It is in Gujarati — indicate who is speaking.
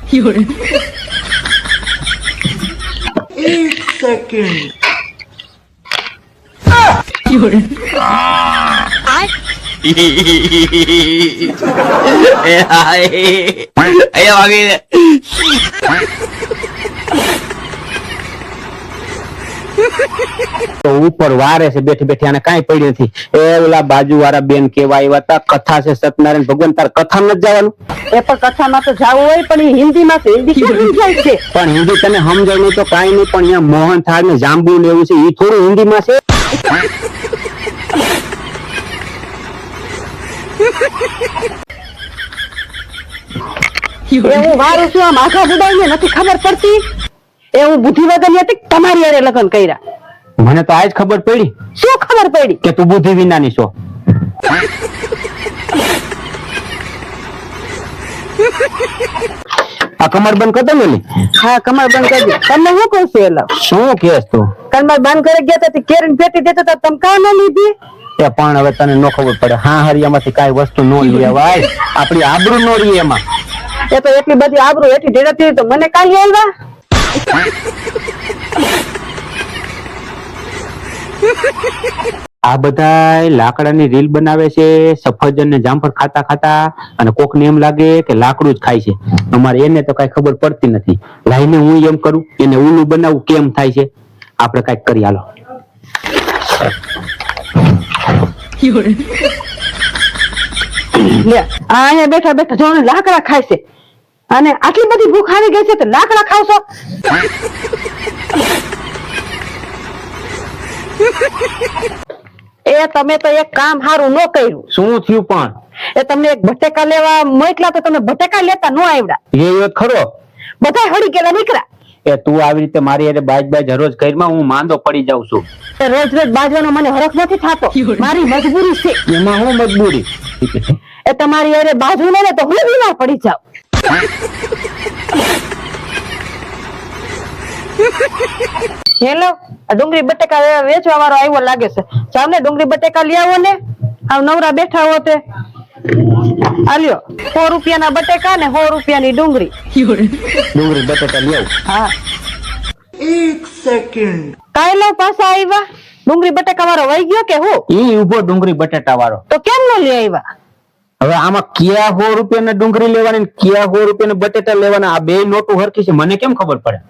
Speaker 1: एक सेकंड
Speaker 2: તો ઉપર વારે છે બેઠી બેઠી આને કાંઈ પડી નથી. એ ઓલા બાજુ વાળા બેન કેવા આવ્યા હતા, કથા છે સત્યનારાયણ ભગવાન, તાર કથા નથી જવાનું?
Speaker 3: એ પણ કથામાં તો જાવું હોય, પણ એ હિન્દીમાં છે, હિન્દી કેમ સમજાય છે?
Speaker 2: પણ હિન્દી તને સમજાય નહીં તો કાંઈ નહીં, પણ અહીંયા મોહન થાળ ને જાંબુ ને એવું છે, એ થોડું હિન્દીમાં છે.
Speaker 3: એ હું વારું છું, આમ આખા બુડાઈને નથી ખબર પડતી. એ હું બુદ્ધિવગરની હતી, તમારી હારે લગ્ન કર્યા.
Speaker 2: મને તો આજ ખબર પડી.
Speaker 3: શું ખબર પડી?
Speaker 2: કે તું બુદ્ધિ વિનાની છો. આ કમર બંધ કરતો ને?
Speaker 3: હા, કમર બંધ કરી દે. તમને હું કહું છું? એલા
Speaker 2: શું કેસ તું?
Speaker 3: કમર બંધ કરી ગયા હતા, કેરીને પેટી દેતા હતા, તમે કાં ન લીધી?
Speaker 2: એ પણ હવે તને નો ખબર પડે. હા, હરિયામાંથી કાંઈ વસ્તુ નો લેવાય, આપડી આબરૂ નો રહી એમાં.
Speaker 3: એ તો એટલી બધી આબરૂ એટલી ઢેરાતી તો મને કાલી આવ્યા.
Speaker 2: આ બધા લાકડાની રીલ બનાવે છે, સફરજન ને જામફળ ખાતા ખાતા, અને કોકને એમ લાગે કે લાકડું જ ખાય છે. અમારે એને તો કઈ ખબર પડતી નથી. લાઈને હું એમ કરું, એને ઊલું બનાવું કેમ થાય છે. આપણે કઈક કરી હાલો.
Speaker 3: લે, આ અહીંયા બેઠા બેઠા જો ને લાકડા ખાય છે, અને આટલી બધી ભૂખ આવી ગઈ છે તો લાકડા ખાવશો? એ તમે તો એક કામ સારું ન કર્યું.
Speaker 2: શું થયું પણ?
Speaker 3: એ તમને એક બટેકા લેવા મોકલા તો તમે બટેકા લેતા ન આવ્યા.
Speaker 2: એ વાત ખરો.
Speaker 3: બધા હળી ગયેલા નીકળ્યા.
Speaker 2: એ તું આવી રીતે મારી હારે બાજ હરોજ કરીમાં હું માંદો પડી જાઉં છું.
Speaker 3: રોજ રોજ બાજવાનો મને હરખ નથી થતો. મારી મજબૂરી છે.
Speaker 2: એમાં હું મજબૂરી?
Speaker 3: એ તમારી હારે બાજુ ને તો હું બીમાર પડી જાઉં. હેલો, આ ડુંગળી બટેકા વેચવા વાળો આવ્યો લાગે છે. ચાલ ને ડુંગળી બટેકા લઈ આવો ને. આવ નવરા બેઠા હો તે આલ્યો 100 રૂપિયાના બટેકા ને 100 રૂપિયાની ડુંગળી.
Speaker 2: ડુંગળી બટેટા લઈ આવું.
Speaker 3: હા,
Speaker 1: एक सेकंड
Speaker 3: કાયલો પાછા આવ્યા. ડુંગળી બટેકા વાળો વહી ગયો કે હું?
Speaker 2: ઈ ઉભો ડુંગળી બટેટા વાળો.
Speaker 3: તો કેમ ન લઈ આવ્યા?
Speaker 2: હવે આમાં ક્યાં 100 રૂપિયાની ડુંગળી લેવાની ને ક્યાં 100 રૂપિયાના બટેટા લેવાના, આ બે નોટો હરખી છે, મને કેમ ખબર પડે?